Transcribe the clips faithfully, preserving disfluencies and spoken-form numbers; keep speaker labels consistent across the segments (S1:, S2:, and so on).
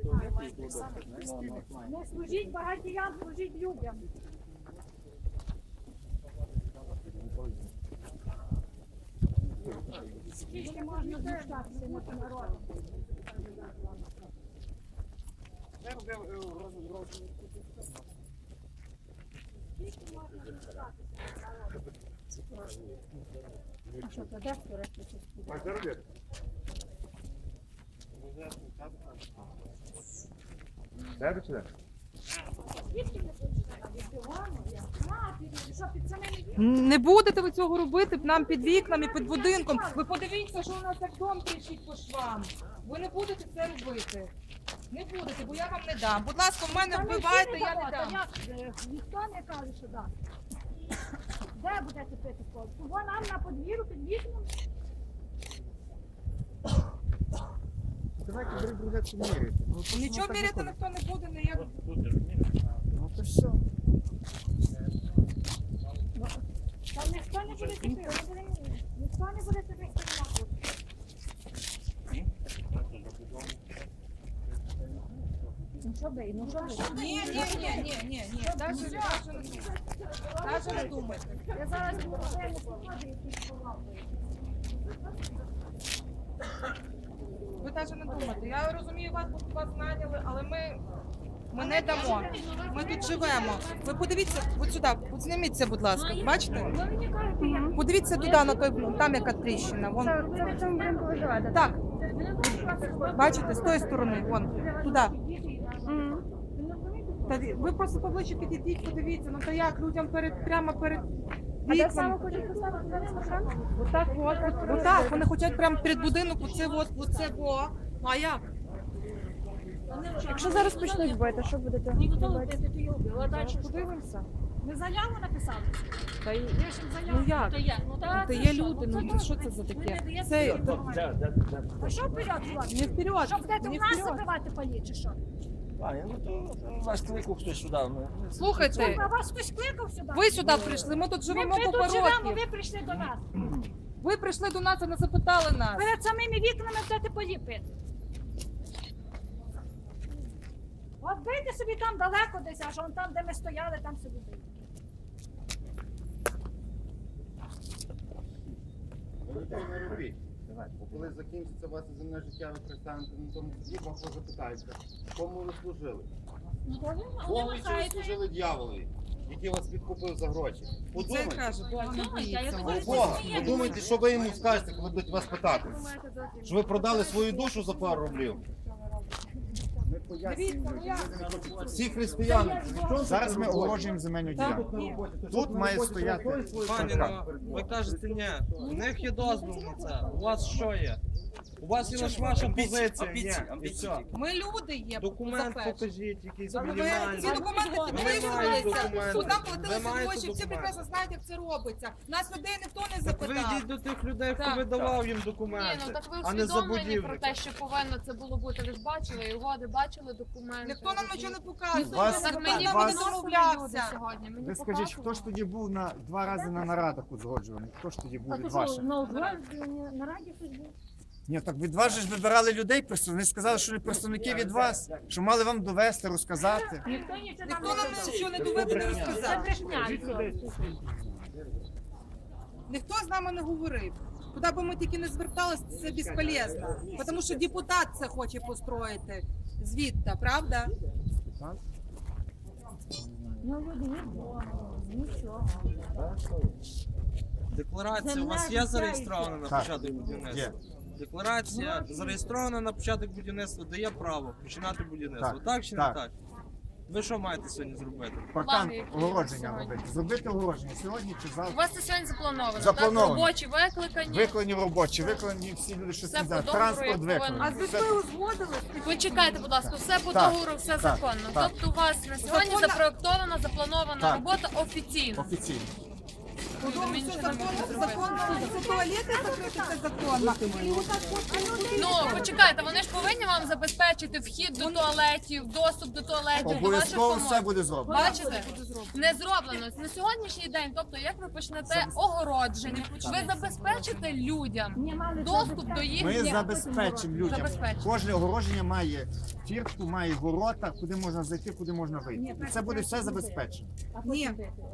S1: Не служіть багатіям, служіть людям. Скільки можна знущатися над народом? Скільки можна знущатися над народом? А що, то де скоротити щось?
S2: Де чи де?
S1: Звідки не почнемо? Від дивану? А, під- що, під самими вікнами?
S3: Не будете ви цього робити нам під вікнами, під будинком. Ви подивіться, що у нас як дом тріщить по швам. Ви не будете це робити. Не будете, бо я вам не дам. Будь ласка, в мене
S1: Та ми
S3: вбивайте,
S1: всі не
S3: я не
S1: дамо, та
S3: дам.
S1: як, е, ніхто не каже, що дасть. Де будете пити коло? Того нам на подвір'ю під вікном.
S2: Давайте друг друга міряти.
S3: Нічого міряти ніхто не буде, ніяк.
S2: Ну то все.
S1: Там ніхто не буде пити, ніхто не буде пити коло. Ну що ви, ну що ви?
S3: Ні, ні, ні, ні, ні, ні. Даже, даже не думайте. Даже не думайте.
S1: Я зараз буду не сходи, якісь повалки.
S3: Ви навіть не думайте. Я розумію вас, бо вас наняли, але ми, ми не дамо. Ми тут живемо. Ви подивіться, от сюди, от зніміться, будь ласка. Бачите?
S1: Ви мені кажете, як?
S3: Подивіться туди, на той, там яка тріщина. Вон.
S1: Це ви в цьому будинку виживаєте?
S3: Так, бачите, з тої сторони, вон, туди. Та ви просто поближче підійдіть, подивіться, ну та як людям перед, прямо перед вікном.
S1: хочуть поставити зараз машину?
S3: Отак, от, от, отак, вони хочуть прямо перед будинок, оце от, оце бо. Ну а як?
S4: Якщо зараз почнуть бити, що будете робити?
S3: Подивимося.
S1: Ми заяву написали.
S3: Та й-
S1: Ви ж заяву.
S3: Ну як?
S1: То є. Ну, та,
S3: Та
S1: це
S3: є
S1: що?
S3: люди, ну
S1: це
S3: що
S1: добре.
S3: це за
S1: Ви не
S3: таке?
S1: даєте
S3: Це
S1: допомагати. А що вперед, хлопці?
S3: не вперед,
S1: Що будете
S3: не
S1: в нас
S3: вперед.
S1: забивати полі, чи що?
S5: Пані, ну то вас кликав хтось сюди. Ну.
S3: Слухайте,
S1: А вас хтось кликав сюди?
S3: ви сюди прийшли, ми тут
S1: Ми,
S3: живемо
S1: ми
S3: купа
S1: тут живемо,
S3: років.
S1: ви прийшли до нас.
S3: Ви прийшли до нас і не запитали нас.
S1: Перед самими вікнами будете полі пити. От бийте собі там далеко десь, аж он там, де ми стояли, там собі бийте.
S6: Ви нічого не робіть. Бо коли закінчиться ваше земне життя, ви пристанете на тому суді, вам запитається, кому ви служили? Повністю ви служили дьяволові, який вас підкупив за гроші.
S3: Це
S6: Подумайте.
S3: каже, Бога не боїться.
S6: У Бога. Подумайте, що ви йому скажете, коли будуть вас питати. Що ви продали свою душу за пару рублів?
S2: Ми пояснюємо людям.
S6: Всі християни.
S2: Зараз ми огорожуємо земельну ділянку. Тут має стояти.
S5: Пані, ну, ви кажете, ні, у них є дозвіл на це. У вас що є? У вас є лише ваша позиція, ні, і все.
S3: Ми люди є.
S5: Документ
S3: по-перше.
S5: покажіть, якийсь
S3: Ви
S5: мінімальний.
S3: ці документи
S5: Ви маєте
S3: підписувалися,
S5: документи.
S3: тут нам
S5: Ви
S3: платилися
S5: маєте
S3: гроші, всі
S5: документи.
S3: прекрасно знають, як це робиться. Нас людей ніхто не
S5: Так ви
S3: запитав.
S5: йдіть до тих людей, хто
S3: Так.
S5: видавав їм
S7: Ні,
S5: документи,
S7: ну так ви
S5: а не
S7: усвідомлені про
S5: забудівника.
S7: те, що повинно це було бути. Ви ж бачили і угоди, бачили документи.
S3: Ніхто нам нічого не показує.
S2: Вас-
S7: Так мені
S3: Ніхто
S7: вони
S3: не
S2: вас-
S3: домовлявся.
S7: сьогодні. Мені
S2: Ви скажіть, хто ж тоді був на два рази на нарадах узгоджуваний? Хто ж тоді був від ваших?
S1: на на раді хтось був?
S2: Ні, так від вас же ж вибирали людей, просто вони сказали, що не представники від вас, що мали вам довести, розказати.
S1: Ніхто нічого
S3: Ніхто
S1: нам
S3: нам
S1: не
S3: нічого не доведе, не
S1: Це
S3: розказав.
S1: брехня.
S3: Ніхто з нами не говорив. Куди б ми тільки не зверталися, це безполезно. Тому що депутат це хоче построїти звідти, правда?
S1: Ну, люди не вдома, нічого.
S5: Декларація у вас є зареєстрована на
S2: Так.
S5: початок
S2: Є.
S5: будівництва? Декларація зареєстрована на початок будівництва, дає право починати будівництво.
S2: Так.
S5: Так чи не
S2: Так.
S5: так? Ви що маєте сьогодні зробити?
S2: Паркан
S7: Плани які
S2: огородження
S7: сьогодні?
S2: робити. Зробити огородження сьогодні чи
S7: У
S2: завтра.
S7: вас це сьогодні заплановано.
S2: Заплановано.
S7: Так, робочі викликані.
S2: Виконані робочі, виконані всі люди, що
S7: Все
S2: це
S7: по договору,
S2: транспорт
S7: як повинно.
S3: А
S2: виконаний.
S3: з
S2: Все-
S3: людьми узгодили?
S7: Почекайте, будь ласка, все по
S2: Так,
S7: договору, все
S2: так,
S7: законно.
S2: так.
S7: Тобто у вас на сьогодні
S3: Законно-
S7: запроектована, запланована
S2: Так.
S7: робота офіційно.
S2: Офіційно.
S3: Подумали, що законно, законно, це туалети закрити, це законно.
S7: Ну, почекайте, вони ж повинні вам забезпечити вхід до туалетів, доступ до туалетів, до ваших
S2: Обов'язково все
S7: комод.
S2: буде зроблено.
S7: Бачите? Не зроблено. На сьогоднішній день, тобто, як ви почнете огородження, ви забезпечите людям доступ до їх.
S2: Ми забезпечимо людям.
S7: Забезпечимо.
S2: Кожне огороження має фіртку, має ворота, куди можна зайти, куди можна вийти. І це буде все забезпечено.
S3: Ні.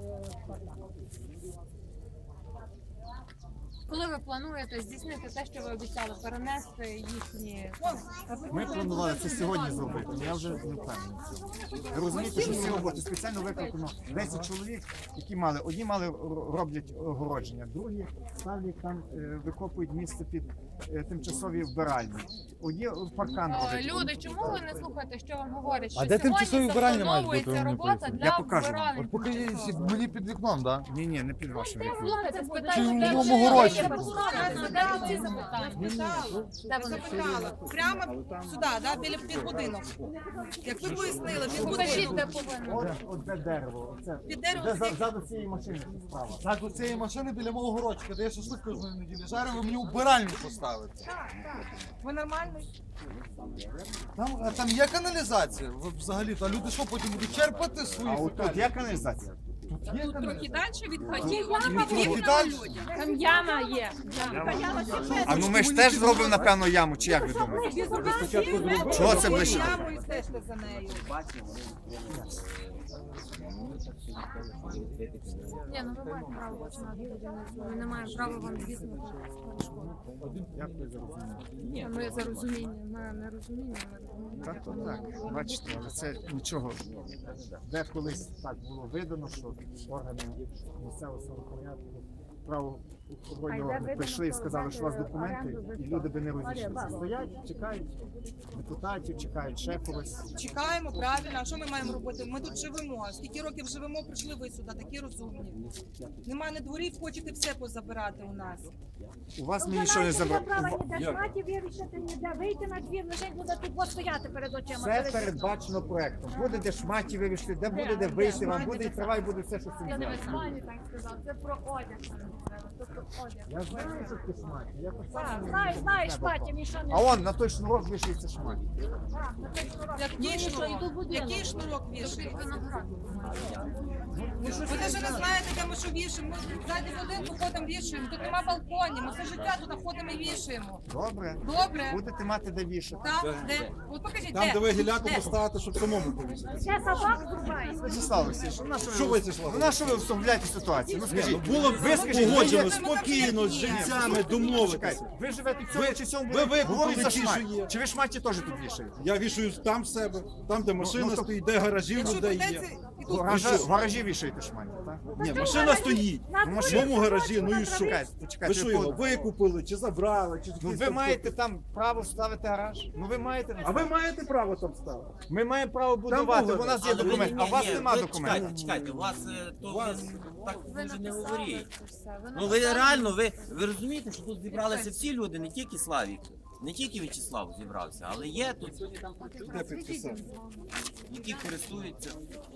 S7: Коли ви плануєте здійснити те, що ви обіцяли, перенести їхні...
S2: Ми планували це сьогодні зробити, я вже не впевнений. в цьому. Ви розумієте, що ці роботи спеціально викликано десять чоловік, які мали, одні мали р- роблять огородження, другі ставлять там, е, викопують місце під е, тимчасові вбиральні. Одні паркан
S7: О,
S2: роблять.
S7: Люди, чому ви не слухаєте, що вам говорять? Що
S8: А де тимчасові
S7: сьогодні
S8: вбиральні мають бути,
S7: заплановується
S8: ви мені
S7: робота
S8: поясніть?
S7: для
S2: Я покажу вам.
S7: вбиральень
S8: От поки
S7: тимчасових.
S8: мені під вікном, так?
S2: Ні, ні, не під вашим вікном.
S7: Слухайте,
S8: Чи
S7: спитайте,
S8: в
S7: де
S8: моєму
S7: ви
S8: городці?
S7: є прокурор, задайте ці запитання.
S3: Де вони питали? Прямо сюди, да, біля під будинок. Як ви пояснили, під
S7: Покажіть,
S3: будинок.
S7: де повинно.
S2: От, от де дерево, оце.
S3: Під дерево
S2: Де
S3: сидить.
S2: за- ззаду цієї машини справа.
S8: Так, у цієї машини біля мого городчика, де я шашлик кожної неділі жарю, ви мені убиральню поставите.
S3: Ви нормальний?
S8: Там, а там є каналізація ви взагалі, а люди що потім будуть черпати свої
S2: А от тут
S8: фекалії?
S2: є каналізація?
S8: Тут є каналізація.
S7: далі від хатів.
S8: Трохи далі.
S4: Там яма є.
S2: А ну ми ж теж зробимо, напевно, яму, чи як ви думаєте? Чого це ближче?
S3: Яму і стежте за нею.
S7: Ні, ну ви маєте право починати будівництво. Ми не маємо права вам здійснювати перешкоди.
S2: Дякую за розуміння.
S7: Ми за розуміння, ми не розуміння, ми розуміння.
S2: Так, то так. Бачите, але це нічого. Де колись так було видано, що органи місцевого самопорядку, правоохоронні органи прийшли і сказали, що у вас документи, і люди би не розійшлися. Стоять, чекають депутатів, чекають ще когось.
S3: Чекаємо, правильно. А що ми маємо робити? Ми тут живемо. Скільки років живемо, прийшли ви сюди, такі розумні. Немає на дворі, хочете все позабирати у нас.
S2: У вас ми нічого не забрали.
S1: Ніде шматі вирішити, ніде вийти на двір, лише буде тут от стояти перед очима.
S2: Все
S1: перед-
S2: передбачено проектом. Буде де шматі вивішти, де буде де вийти, вам буде і трава, і буде все, що
S7: Я
S2: цим
S7: не
S2: зв'язано.
S7: висловлюю, так сказав. Це про одяг. Це про одяг.
S2: Я знаю, що таке шматі. Я так само не
S1: Знаю,
S2: знаю,
S1: знаєш,
S2: що треба.
S1: шматі, нічого не
S2: А он на той шнурок вишиється шматі.
S1: Так, на той шнурок.
S3: Який шнурок? Який шнурок вішаєте?
S7: Виноград.
S3: Ви навіть не знаєте, де ми що вішаємо. Ми ззаді будинку ходимо вішаємо. Тут нема балконів. Ми все життя тут ходимо і вішаємо.
S2: Добре.
S3: Добре?
S2: Будете мати де вішати.
S3: Так? Де? От покажіть,
S8: Там, де ви гіляку
S3: Де?
S8: поставите, щоб самому повісити.
S1: Ще собак зрубає.
S2: Вячеслав Васильович, ну на що
S8: Що
S2: ви,
S8: Вячеслав?
S2: ну на що ви всовляєте ситуацію? Ну скажіть,
S9: Було б
S2: ви скажіть,
S9: погоджено
S2: ви,
S9: спокійно з жильцями домовитися.
S2: чекайте, ви живете в цьому
S9: Ви-
S2: чи цьому
S9: ви
S2: будинку,
S9: викупили
S2: говорить за
S9: ті,
S2: шматі.
S9: що є.
S2: Чи ви шматі теж тут вішаєте?
S9: Я вішаю там в себе, там, де машина
S2: ну, то-
S9: стоїть, де гаражі в
S3: Якщо
S9: людей є.
S3: прийдеться, і
S2: В
S3: тут
S2: гаражі, в гаражі вішаєте шматі, так?
S9: Ні, машина стоїть.
S1: На
S2: Ну,
S9: В
S2: машина-
S9: моєму гаражі, ну і що?
S2: Почекайте,
S9: Ви
S2: почекайте.
S9: що
S2: ви
S9: його
S2: по-
S9: викупили, чи забрали, чи
S2: Ну
S9: якісь
S2: ви
S9: там
S2: маєте там право ставити гараж? Ну ви маєте.
S9: А ви маєте право там ставити?
S2: Ми маємо право будувати,
S9: було.
S2: бо у нас є
S10: Але ви-
S2: документ,
S10: ні,
S2: а у вас
S10: ні,
S2: нема
S10: ви
S2: документів.
S10: Чекайте, чекайте, у вас е, то
S9: Вас-
S10: ви так
S7: Ви
S10: дуже не
S7: написали
S10: говоріть.
S7: це все. Ви
S10: Ну ви
S7: написали.
S10: реально, ви, ви розумієте, що тут зібралися всі люди, не тільки Славік, не тільки В'ячеслав зібрався, але є тут,
S9: Де підписати?
S10: які користуються.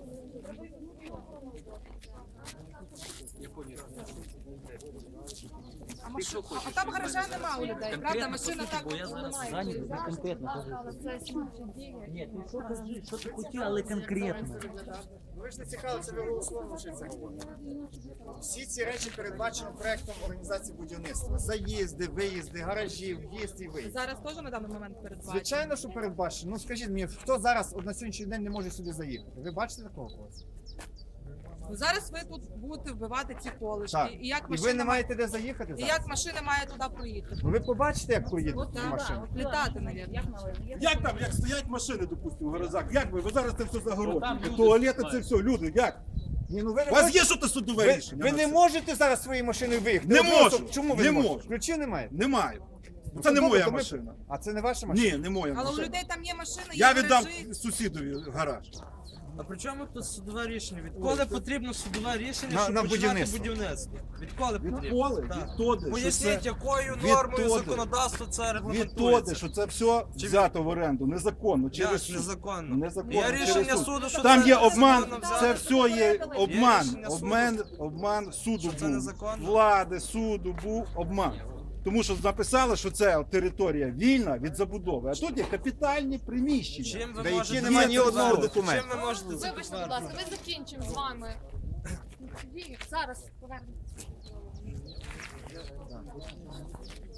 S3: А, маш... а там гаража нема у людей, правда? Машина так
S10: Бо я зараз
S3: немає.
S10: зайнятий, ви конкретно
S7: Але це слідчі дії.
S10: Ні, ти що кажи, що ти хотів, але конкретно.
S2: Ну, ви ж не цікаво, це ви голословно чи це говорите. Всі ці речі передбачено проектом організації будівництва. Заїзди, виїзди, гаражі, в'їзд і виїзд.
S3: Зараз теж на даний момент передбачено.
S2: Звичайно, що передбачено. Ну скажіть мені, хто зараз от на сьогоднішній день не може сюди заїхати? Ви бачите такого когось?
S3: Ну, зараз ви тут будете вбивати ці колишки.
S2: Так.
S3: І як
S2: І ви
S3: машина
S2: не
S3: має...
S2: маєте де заїхати
S3: І
S2: зараз?
S3: як машина має туди проїхати?
S2: Ну ви побачите, як проїдуть
S3: От
S2: ці
S3: так,
S2: машини.
S3: от літати, мабуть.
S9: Як там, як стоять машини, допустимо, в гаражах? Як ви? Ви зараз це все загородите. Туалети, це все, люди, як?
S2: Ні, ну ви не
S9: У вас
S2: можете-
S9: є що то судове
S2: ви,
S9: рішення?
S2: ви
S9: на
S2: не
S9: це?
S2: можете зараз своєю машиною виїхати.
S9: Не
S2: Ви просто-
S9: можу.
S2: Чому ви
S9: Не
S2: не можете?
S9: можу.
S2: Ключів немає?
S9: Немає. Це не
S2: добре,
S9: моя
S2: то ми-
S9: машина.
S2: А це не ваша машина?
S9: Ні, не моя
S3: Але у
S9: машина.
S3: людей там є машина, є
S9: Я віддам
S3: гаражі.
S9: сусідові гараж.
S5: А при чому тут судове рішення? Відколи потрібно судове рішення,
S2: На-
S5: щоб
S2: на
S5: починати
S2: будівництво.
S5: будівництво? Відколи потрібно?
S9: Відколи,
S5: Так.
S9: відтоди, що
S5: Поясніть,
S9: це
S5: якою
S9: відтоди.
S5: нормою законодавства це регламентується?
S9: відтоди, що це все
S5: Чи
S9: взято в оренду незаконно
S5: Як
S9: через суд.
S5: незаконно?
S9: Незаконно.
S5: Є
S9: через
S5: рішення
S9: суд.
S5: суду, що
S9: Там
S5: це
S9: є обман,
S5: незаконно
S9: це
S5: взяти.
S9: все є обман.
S5: рішення суду.
S9: Обман, обман суду
S5: Що це
S9: був.
S5: незаконно?
S9: Влади, суду був обман. Тому що написали, що це територія вільна від забудови, а тут є капітальні приміщення.
S5: Чим ви
S2: Де які
S5: можете
S2: нема
S5: це
S2: ні одного
S5: підтвердити?
S2: документу.
S5: Чим ви можете це
S7: Вибачте, будь
S5: підтвердити?
S7: ласка, ми закінчимо з вами. Тоді зараз повернемося.